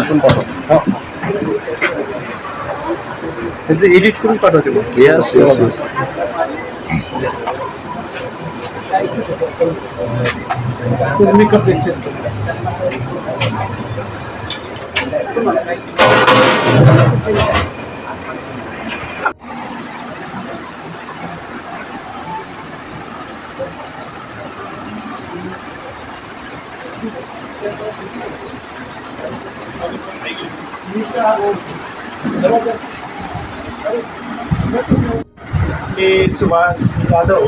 तिथून पाठव. त्याचं एडिट करून पाठवते मग. Yes yes yes. Makeup exchange मी सुभाष जाधव,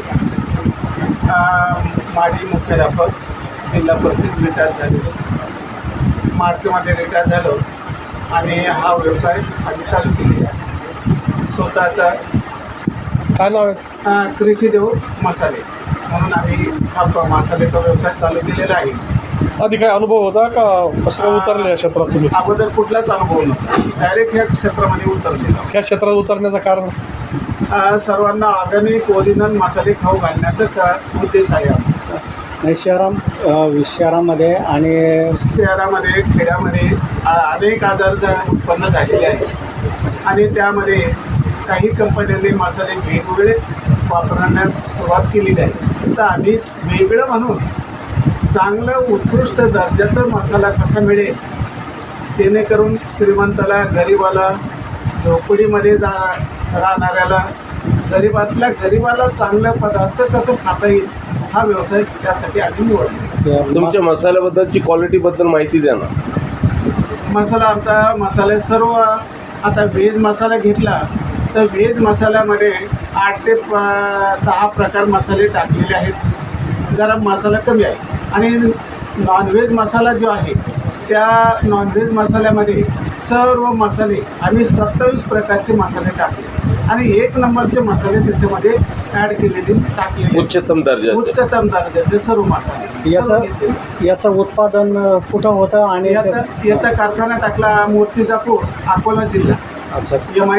माजी मुख्याध्यापक, जिल्हा परिषद रिटायर झालो. मार्चमध्ये रिटायर झालो आणि हा व्यवसाय आम्ही चालू केलेला आहे. स्वतःचा काय नाव आहे? कृषीदेव मसाले म्हणून आम्ही हा मसाल्याचा व्यवसाय चालू केलेला आहे. आधी काय अनुभव होता का? कसं काय उतरले या क्षेत्रात तुम्ही? अगोदर कुठलाच अनुभव नव्हता. डायरेक्ट ह्या क्षेत्रामध्ये उतरलेला. ह्या क्षेत्रात उतरण्याचं कारण? सर्वांना ऑर्गॅनिक ओरिजिनल मसाले खाऊ घालण्याचा उद्देश आहे आमचा. नाही, शहरामध्ये आणि शहरामध्ये खेड्यामध्ये अनेक आजार उत्पन्न झालेले आहेत आणि त्यामध्ये काही कंपन्यांनी मसाले वेगवेगळे वापरण्यास सुरुवात केलेली आहे. तर आम्ही वेगळं म्हणून चांगलं उत्कृष्ट दर्जाचा मसाला कसा मिळेल, जेणेकरून श्रीमंताला, गरिबाला, झोपडीमध्ये राहणाऱ्याला, गरीबाला चांगला पदार्थ कसं खाता येईल हा व्यवसाय त्यासाठी आम्ही निवडला. तुमच्या मसाल्याबद्दलची क्वालिटीबद्दल माहिती द्या ना. आमचा मसाले सर्व आता व्हेज मसाला घेतला तर व्हेज मसाल्यामध्ये 8 ते 10 प्रकार मसाले टाकलेले आहेत. गरम मसाला कमी आहे आणि नॉनव्हेज मसाला जो आहे त्या नॉनव्हेज मसाल्यामध्ये सर्व मसाले आम्ही 27 प्रकारचे मसाले टाकले आणि 1 नंबरचे मसाले त्याच्यामध्ये ॲड केलेले टाकलेले. उच्चतम दर्जाचे सर्व मसाले. याचं उत्पादन कुठं होतं आणि याचा कारखाना टाकला मूर्तिजापूर, अकोला जिल्हा. अच्छा.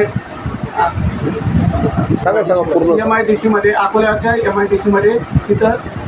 सांगा पूर्ण. MIDC मध्ये, अकोल्याच्या MIDC मध्ये तिथं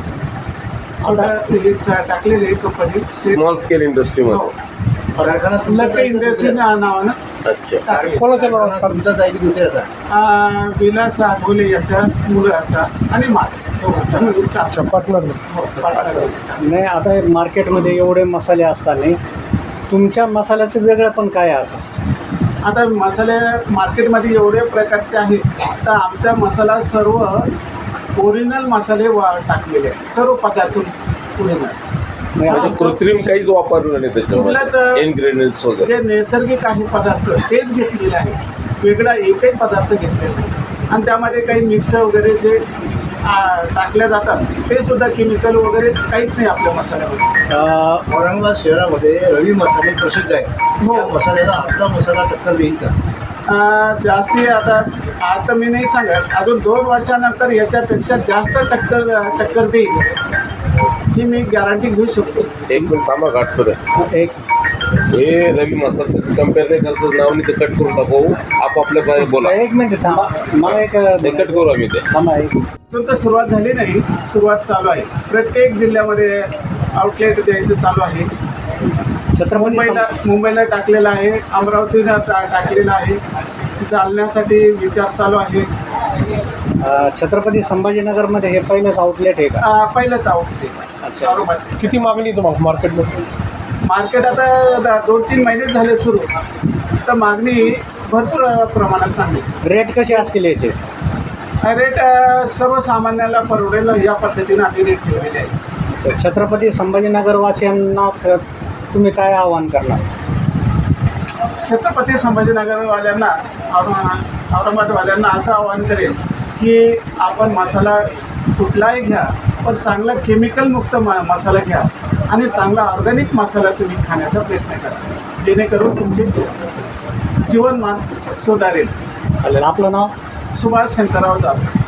टाकलेले कंपनी स्मॉल स्केल इंडस्ट्रीमध्ये. लकी इंडस्ट्री नावानं. अच्छा. कोणाच्या नावात? विलास आठवले याच्या मुलाचा आणि अच्छा, पार्टनर. नाही, आता मार्केटमध्ये एवढे मसाले असताना तुमच्या मसाल्याचं वेगळं पण काय आहे असं? आता मसाले मार्केटमध्ये एवढे प्रकारचे आहेत तर आमचा मसाला सर्व ओरिजिनल मसाले टाकलेले आहेत. सर्व पदार्थ ओरिजिनल, म्हणजे कृत्रिम काहीच वापरलं नाही त्याच्यामध्ये. इन्ग्रेडियंट्स वगैरे जे नैसर्गिक आहे पदार्थ तेच घेतलेले आहे. वेगळा एकही पदार्थ घेतलेला नाही आणि त्यामध्ये काही मिक्स वगैरे जे टाकल्या जातात ते सुद्धा केमिकल वगैरे काहीच नाही आपल्या मसाल्यामध्ये. औरंगाबाद शहरामध्ये रवी मसाले प्रसिद्ध आहे. हो. मसाल्याला आपला मसाला टक्कर देईल का? जास्ती आता आज तर मी नाही सांगत, अजून 2 वर्षानंतर याच्यापेक्षा जास्त टक्कर देईल ही मी गॅरंटी घेऊ शकतो. एक मिनिट थांबा घाट सर. हे रवी मसाला कम्पेअर नाही करतं नाव नाही, ते कट करून टाकू. आपापल्या बोला. 1 मिनिट थांबा, मला एक कट करू आम्ही ते. थांबा. तर सुरुवात झाली नाही, सुरुवात चालू आहे. प्रत्येक जिल्ह्यामध्ये आउटलेट द्यायचं चालू आहे. मुंबईला टाकलेलं आहे, अमरावतीला टाकलेलं आहे, चालण्यासाठी विचार चालू आहे. छत्रपती संभाजीनगरमध्ये हे पहिलंच आउटलेट आहे का? पहिलंच आउटलेट. अच्छा. किती मागणी तुम्हाला मार्केटमध्ये? मार्केट आता 2-3 महिने झाले सुरू, तर मागणी भरपूर प्रमाणात चांगली. रेट कसे असतील याचे? रेट सर्वसामान्याला परवडेल या पद्धतीने आम्ही रेट ठेवलेले आहे. छत्रपती संभाजीनगर वासियांना तुम्ही काय आवाहन करणार? छत्रपती संभाजीनगरवाल्यांना, औरंगाबादवाल्यांना असं आवाहन करेल की आपण मसाला कुठलाही घ्या पण चांगला केमिकलमुक्त मसाला घ्या आणि चांगला ऑर्गॅनिक मसाला तुम्ही खाण्याचा प्रयत्न करा, जेणेकरून तुमचे जीवनमान सुधारेल. आपलं नाव? सुभाष शंकरराव जाधव.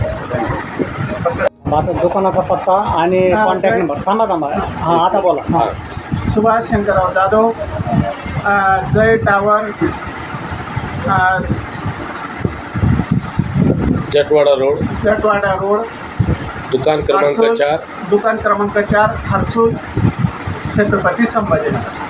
माझा दुकानाचा पत्ता आणि कॉन्टॅक्ट नंबर. थांबा. हां, आता बोला. सुभाष शंकरराव जाधव, जय टावर, जटवाडा रोड, दुकान क्रमांक 4, हर्सूल, छत्रपती संभाजीनगर.